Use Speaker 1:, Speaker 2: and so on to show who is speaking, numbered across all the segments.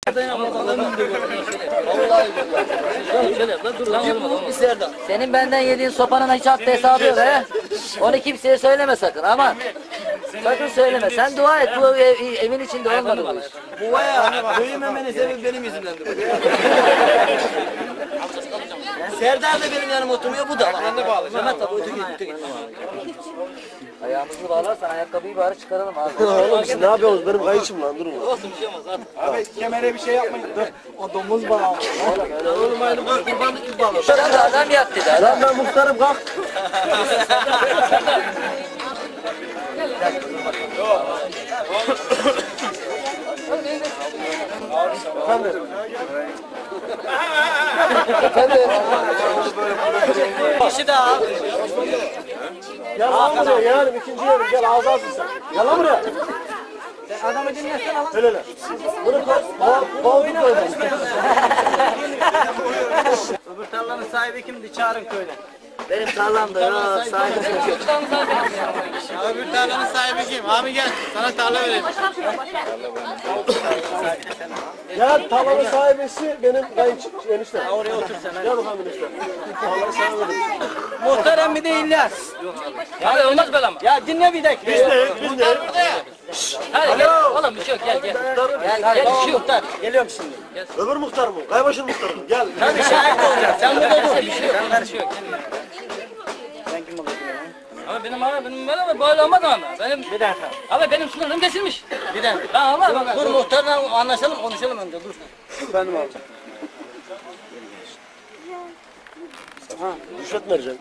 Speaker 1: Senin benden yediğin sopanın hiç haddi hesabı yok he. Onu kimseye söyleme sakın ama. Sakın söyleme. Sen dua et bu evin içinde olmadı bu iş.
Speaker 2: Bu var ya, büyümemenin sebebi benim yüzümdendir. Serdar da benim yanıma oturmuyor, bu da. Ben de bağlayacağım. Mehmet abi öteki.
Speaker 1: Ayağımızı bağlarsan ayakkabıyı bari çıkaralım abi.
Speaker 3: Oğlum siz ne yapıyorsunuz? Benim kayışım lan, durun.
Speaker 2: Olsun bir şey olmaz abi.
Speaker 3: Abi kemere bir şey yapmayın. Dur. O domuz bağı.
Speaker 2: Oğlum aynı bu kurbanlık gibi bağlı.
Speaker 1: Sen de adam yattı da.
Speaker 3: Lan ben muhtarım, kalk.
Speaker 2: Kişi daha.
Speaker 3: Gel lan buraya, gel. İkinci yerim, gel. Ağzı alsın sen. Gel lan buraya.
Speaker 2: Adamı dinlesin lan.
Speaker 3: Öyle öyle. Bunu kovduk böyle.
Speaker 2: Öbür tarlanın sahibi kimdi? Çağırın köyden.
Speaker 1: Benim tarlamda ya sahibi yok.
Speaker 4: Öbür tarlanın sahibi kim? Abi gel, sana tarla vereyim.
Speaker 3: Gel, tarlanın sahibesi benim eniştem.
Speaker 2: Oraya otur sen.
Speaker 3: Gel bakalım enişte. Tarlanın sahibi.
Speaker 2: Muhterem bir de İlyas.
Speaker 1: Abi olmaz böyle ama.
Speaker 2: Ya dinle bir dakika.
Speaker 3: Biz de.
Speaker 1: Hadi gel. Oğlum bir şey yok gel gel. Gel
Speaker 2: Tamam
Speaker 1: bir şey yok.
Speaker 2: muhtar. Geliyorum şimdi.
Speaker 3: Öbür muhtar mı? Kaybaşın muhtarı mı? Gel.
Speaker 2: Tabii şahit olacaksın. Sen burada dur.
Speaker 1: Bir şey yok. Bir şey yok.
Speaker 2: Sen kim oluyorsun?
Speaker 1: Ama benim böyle olmaz ama. Benim
Speaker 2: Bir dakika.
Speaker 1: abi benim sınırım kesilmiş.
Speaker 2: Bir dakika.
Speaker 1: Tamam ama
Speaker 2: Dur muhtarla anlaşalım, konuşalım önce. Dur.
Speaker 3: Efendim abi. Rüşvet vereceğim.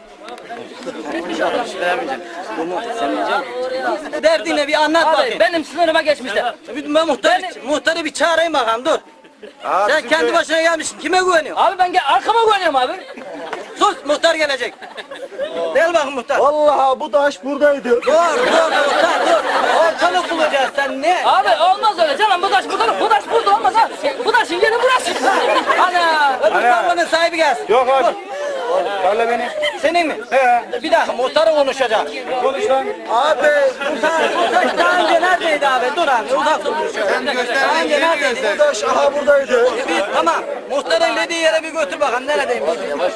Speaker 2: Derdine bir anlat
Speaker 1: abi
Speaker 2: bakayım.
Speaker 1: benim sınırıma geçmişler.
Speaker 2: Ben muhtarı bir çağırayım bakalım, dur. Sen kendi başına gelmişsin. Kime güveniyorsun?
Speaker 1: Abi ben arkama güveniyorum abi.
Speaker 2: Sus, muhtar gelecek. Gel bakın muhtar.
Speaker 3: Vallahi bu taş buradaydı.
Speaker 2: Dur muhtar dur. Ortalık bulacağız, sen ne?
Speaker 1: Abi olmaz öyle canım bu taş burada olmaz ha. Bu taşın yeri burası. Ana.
Speaker 2: Öbür tarlanın sahibi gelsin.
Speaker 4: Yok abi. Tarla benim.
Speaker 2: Senin mi? Bir dakika muhtarı konuşacak.
Speaker 4: Konuş lan.
Speaker 2: Abi bu taş daha önce neredeydi abi? Dur abi uzak dur. Daha önce neredeydi?
Speaker 3: Bu taş aha buradaydı.
Speaker 2: Tamam. Muhtarın dediği yere bir götür bakalım. Neredeymiş?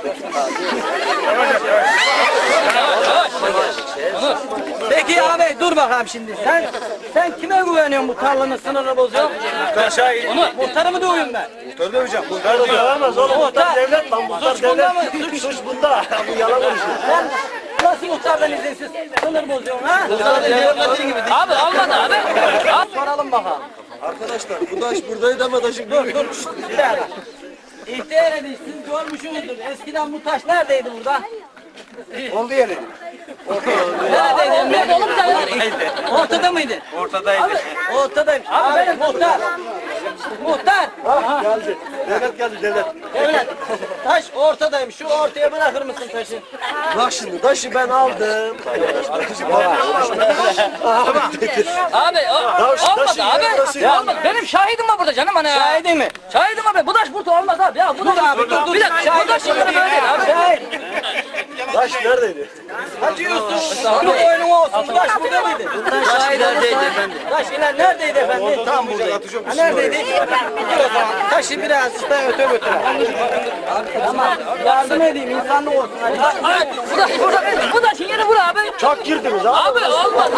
Speaker 2: Peki abi dur bakalım şimdi. Sen kime güveniyorsun bu tarlanın sınırını bozuyorsun?
Speaker 4: Muhtar şahit.
Speaker 2: Muhtarı mı dövüyorum ben?
Speaker 4: Muhtar döveceğim.
Speaker 3: Muhtar dövemez oğlum. Muhtar
Speaker 2: Muhtar.
Speaker 3: devlet lan. Muhtar
Speaker 2: Suç bunda mı?
Speaker 3: devlet. Suç bunda. Bu yalan konuşuyor.
Speaker 2: Sen nasıl muhtardan izinsiz sınır bozuyorsun ha?
Speaker 1: Abi olmadı abi.
Speaker 2: Soralım bakalım.
Speaker 3: Arkadaşlar bu taş buradaydı ama taşın
Speaker 2: Dur. Bir dakika. İhtiyar edin, siz görmüşsünüzdür. Eskiden bu taş neredeydi burada?
Speaker 3: oldu yeri.
Speaker 2: Neredeydi?
Speaker 1: Nerede oğlum sen ya?
Speaker 2: Ortada mıydı?
Speaker 4: Ortadaydı.
Speaker 2: Ortadayım. Abi benim muhtar. Muhtar.
Speaker 3: Geldi. Devlet geldi devlet.
Speaker 2: Evet. Taş ortadayım. Şu ortaya bırakır mısın taşı?
Speaker 3: Bak şimdi taşı ben aldım.
Speaker 1: Abi
Speaker 3: taşın
Speaker 1: olmadı abi.
Speaker 3: yarısı
Speaker 1: Ya olmadı. Benim şahidim var burada canım hani.
Speaker 2: Şahidi mi?
Speaker 1: Şahidim abi. Bu taş burada olmaz abi. Ya bu taş
Speaker 2: abi, dur.
Speaker 1: Bir dakika. Bu taş şimdi böyle değil abi.
Speaker 2: Şahit.
Speaker 3: Taş neredeydi?
Speaker 2: Hadi Yusuf. Bunu boynuma olsun. Bu taş burada mıydı?
Speaker 1: Taş neredeydi efendim?
Speaker 2: Taş ilan neredeydi efendim? Tam buradaydı. Ha, neredeydi? Dur o zaman. Taşı biraz da öte götür. Tamam. Yardım edeyim. İnsanlık olsun. Hadi.
Speaker 1: Bu taşın yeri bura abi.
Speaker 3: Çok girdiniz ha.
Speaker 1: Abi olmaz.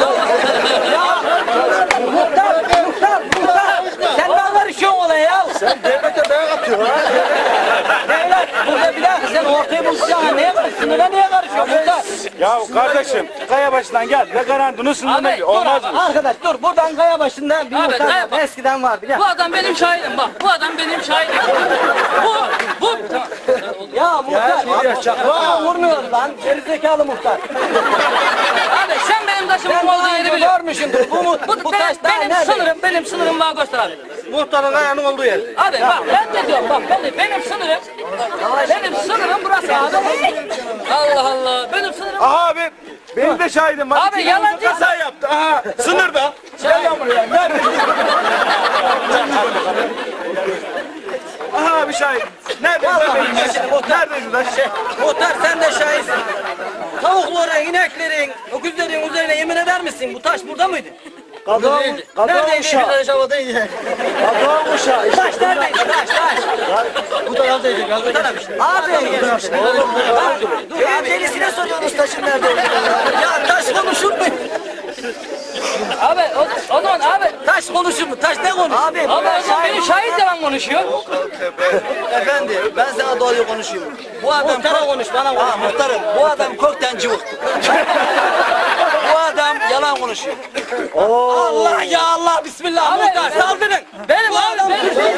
Speaker 2: Muhtar. Sen ne karışıyorsun olaya ya?
Speaker 3: Sen devlete dayak atıyorsun ha.
Speaker 2: Devlet. Burada bir dakika sen ortaya buluşacaksın. Neye karışıyorsun? Sınıra niye karışıyorsun muhtar?
Speaker 4: Ya kardeşim, kaya başından gel. Ne garantını sınırına
Speaker 1: Abi,
Speaker 4: olmaz mı?
Speaker 2: Arkadaş dur buradan kaya başında bir
Speaker 1: Abi,
Speaker 2: muhtar
Speaker 1: kaya
Speaker 2: var.
Speaker 1: bak.
Speaker 2: Eskiden var biliyor
Speaker 1: Bu adam benim şahidim bak. Bu adam benim şahidim. Bu.
Speaker 2: Ya muhtar. Vaa vurmuyor lan. Gerizekalı muhtar.
Speaker 1: Abi sen benim taşımın
Speaker 2: Sen
Speaker 1: olduğu
Speaker 2: daha
Speaker 1: yeri
Speaker 2: önce
Speaker 1: biliyorsun.
Speaker 2: görmüşsündür. Bu taş daha
Speaker 1: Benim sınırım var göster abi.
Speaker 2: Muhtarın ayağının olduğu yer.
Speaker 1: Abi bak ben de diyorum bak benim sınırım burası abi. Allah Allah benim sınırım.
Speaker 4: Aha abi, benim de şahidim var.
Speaker 1: Abi yalancı.
Speaker 4: Kaza yaptı. Aha, sınırda. Gel lan buraya. Nerede? Aha abi şahit. Nerede? Neredeydi lan?
Speaker 2: Muhtar sen de şahitsin. Tavukların, ineklerin, öküzlerin üzerine yemin eder misin? Bu taş burada mıydı?
Speaker 3: Kadın
Speaker 2: Neredeydi?
Speaker 3: uşağı. Kadın uşağı.
Speaker 2: Taş neredeydi? Bu taraftaydı. Abi. Dur abi delisine soruyoruz taşın nerede olduğunu. Ya taş konuşur mu?
Speaker 1: Abi o zaman abi.
Speaker 2: Taş konuşur mu? Taş ne konuşur? Abi
Speaker 1: Ama o zaman benim şahit yalan konuşuyor.
Speaker 2: efendi ben sana doğruyu konuşuyorum. Bu adam muhtara konuş bana konuş. Muhtarım bu adam kökten cıvıktı. Bu adam yalan konuşuyor. Allah ya Allah bismillah muhtar saldırın.
Speaker 1: Benim abi benim.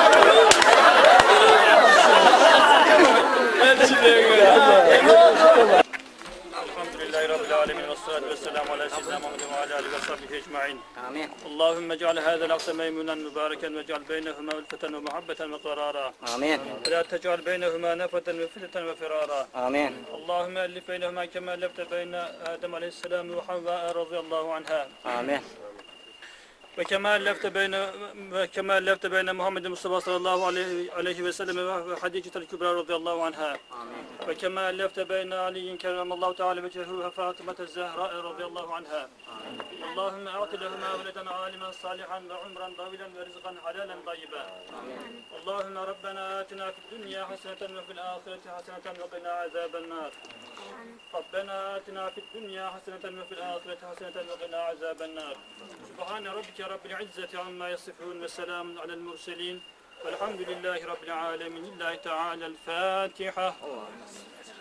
Speaker 5: Elhamdülillahi Rabbil alemin ve salatu ve selamu ala seyyidina Muhammed ve ala alihi ve sahbihi ecma'in.
Speaker 2: Amin.
Speaker 5: Allahümme ec'al hâzel aksa meymunen mübareken ve ec'al beynehuma ülfeten ve muhabbeten ve karara.
Speaker 2: Amin.
Speaker 5: Ve la tec'al beynehuma nefeten ve fitneten ve firara.
Speaker 2: Amin.
Speaker 5: Allahümme ellif beynehuma kema ellefte beyne Adem aleyhisselam ve Havva radıyallahu anha.
Speaker 2: Amin.
Speaker 5: Ve kema ellefte beyne Muhammed Mustafa sallallahu aleyhi ve sellem ve Hadicetel Kübra radıyallahu anha. Ve kema ellefte beyne Ali'in kerramallahu teala vecehu ve Fatıma Zehra radıyallahu anha. Allahümme a'ti lehuma veleden alimen salihan ve umran davilen ve rizqan halalen tayyiba. Allahümme Rabbena atina fid dünya haseneten ve fil ahireti haseneten ve qina azaben nar. Rabbena atina fid dünya haseneten ve fil ahireti haseneten ve qina azaben nar. Subhane rabbike rabbil izzeti amma yasifun ve selamun alel murselin. Velhamdülillahi rabbil alemin. Lillahi teala'l Fatiha.